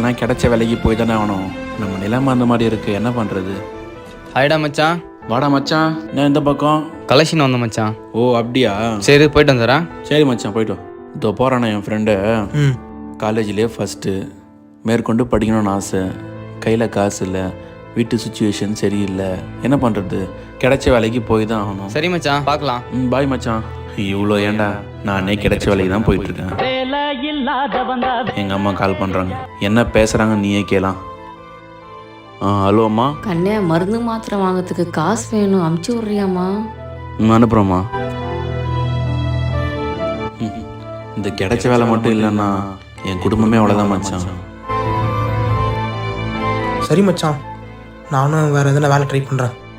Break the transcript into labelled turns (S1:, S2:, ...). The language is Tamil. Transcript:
S1: கிடைக்கலன்னா கிடைச்ச வேலைக்கு போய் தானே ஆகணும். நம்ம நிலைமை அந்த மாதிரி இருக்குது, என்ன பண்ணுறது?
S2: ஹாய்டா மச்சான்.
S1: வாடா மச்சான், நான் இந்த பக்கம்.
S2: கலெக்ஷன் வந்த மச்சான்.
S1: ஓ அப்படியா?
S2: சரி போயிட்டு வந்துடுறேன்.
S1: சரி மச்சான், போயிட்டு வா. இதோ போகிறானே என் ஃப்ரெண்டு, காலேஜ்லேயே ஃபஸ்ட்டு, மேற்கொண்டு படிக்கணும்னு ஆசை, கையில் காசு இல்லை, வீட்டு சுச்சுவேஷன் சரியில்லை, என்ன பண்ணுறது? கிடைச்ச வேலைக்கு போய் தான் ஆகணும்.
S2: சரி மச்சான், பார்க்கலாம்.
S1: பாய் மச்சான். இவ்வளோ ஏன்டா, நானே கிடைச்ச வேலைக்கு தான் போயிட்டுருக்கேன். எங்கள் அம்மா கால் பண்ணுறாங்க, என்ன பேசுகிறாங்க நீயே கேளாம். ஹலோ அம்மா.
S3: கண்ணே, மருந்து மாத்திரை வாங்கிறதுக்கு காசு வேணும், அமுச்சு விட்றியாம்மா?
S1: அனுப்புகிறோம்மா. இந்த கிடைச்ச வேலை மட்டும் இல்லைன்னா என் குடும்பமே அவ்வளோதான் மச்சான்.
S4: சரி மச்சான், நானும் வேறு எதனா வேலை ட்ரை பண்ணுறேன்.